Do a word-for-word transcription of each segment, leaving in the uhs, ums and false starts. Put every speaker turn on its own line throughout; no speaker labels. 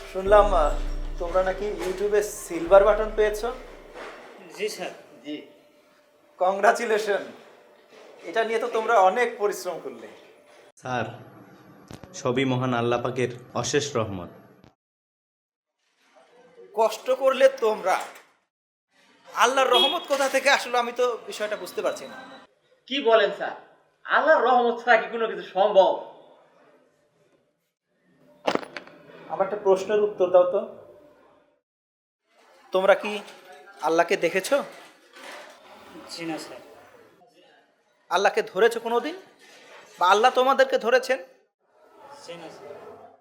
শুনলাম আহ, তোমরা নাকি ইউটিউবে সিলভার বাটন পেয়েছো।
জি স্যার।
জি, কংগ্রাচুলেশন। এটা নিয়ে তো তোমরা অনেক পরিশ্রম করলে।
স্যার, সবই মহান আল্লাহ পাকের অশেষ রহমত।
কষ্ট করলে তোমরা, আল্লাহর রহমত কোথা থেকে আসলো আমি তো বিষয়টা বুঝতে পারছি না।
কি বলেন স্যার? আল্লাহর রহমত ছাড়া কি কোনো কিছু সম্ভব?
আমার একটা প্রশ্নের উত্তর দাও তো, তোমরা কি আল্লাহকে দেখেছো?
জি না স্যার।
আল্লাহকে ধরেছো কোনোদিন, বা আল্লাহ তোমাদেরকে ধরেছেন?
জি না স্যার।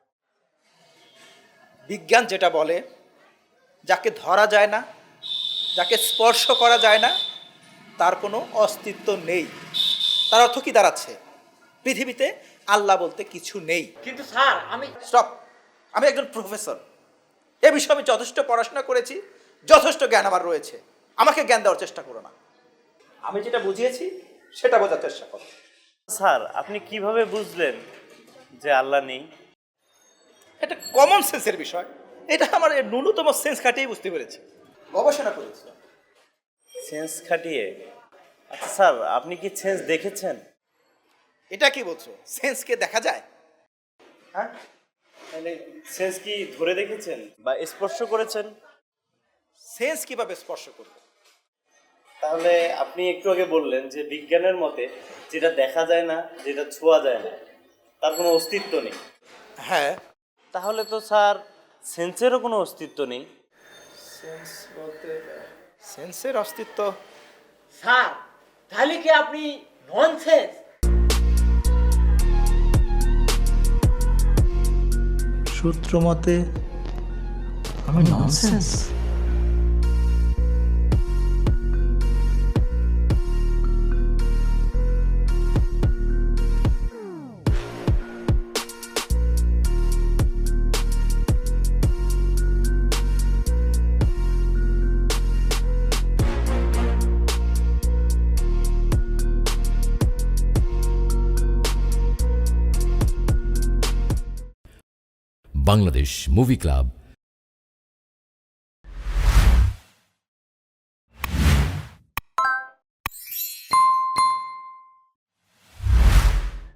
বিজ্ঞান যেটা বলে, যাকে ধরা যায় না, যাকে স্পর্শ করা যায় না, তার কোনো অস্তিত্ব নেই। তার অর্থ কি দাঁড়াচ্ছে? পৃথিবীতে আল্লাহ বলতে কিছু নেই।
কিন্তু স্যার আমি
স্টপ। আমি একজন প্রফেসর, এ বিষয়ে আমি যথেষ্ট পড়াশোনা করেছি, যথেষ্ট জ্ঞান আমার রয়েছে। আমাকে জ্ঞান দেওয়ার চেষ্টা করো না। আমি যেটা বুঝিয়েছি সেটা বোঝার চেষ্টা করো।
স্যার, আপনি কিভাবে বুঝলেন যে আল্লাহ নেই?
এটা কমন সেন্সের বিষয়, এটা আমার এর ন্যূনতম সেন্স খাটিয়ে বুঝতে পেরেছি, গবেষণা করেছি।
সেন্স খাটিয়ে? আচ্ছা স্যার, আপনি কি সেন্স দেখেছেন?
এটা কি বলছো, সেন্সকে দেখা যায়? হ্যাঁ,
মানে সেন্স কি ধরে দেখেছেন বা স্পর্শ করেছেন?
সেন্স কিভাবে স্পর্শ করবে?
তাহলে আপনি একটু আগে বললেন যে বিজ্ঞানের মতে যেটা দেখা যায় না, যেটা ছোঁয়া যায় না, তার কোনো অস্তিত্ব নেই।
হ্যাঁ,
তাহলে তো স্যার সেন্সেরও কোনো অস্তিত্ব নেই।
সেন্স বলতে সেন্সের অস্তিত্ব।
স্যার তাহলে কি আপনি ননসেন্স?
সূত্র মতে আমি ননসেন্স।
Bangladesh movie club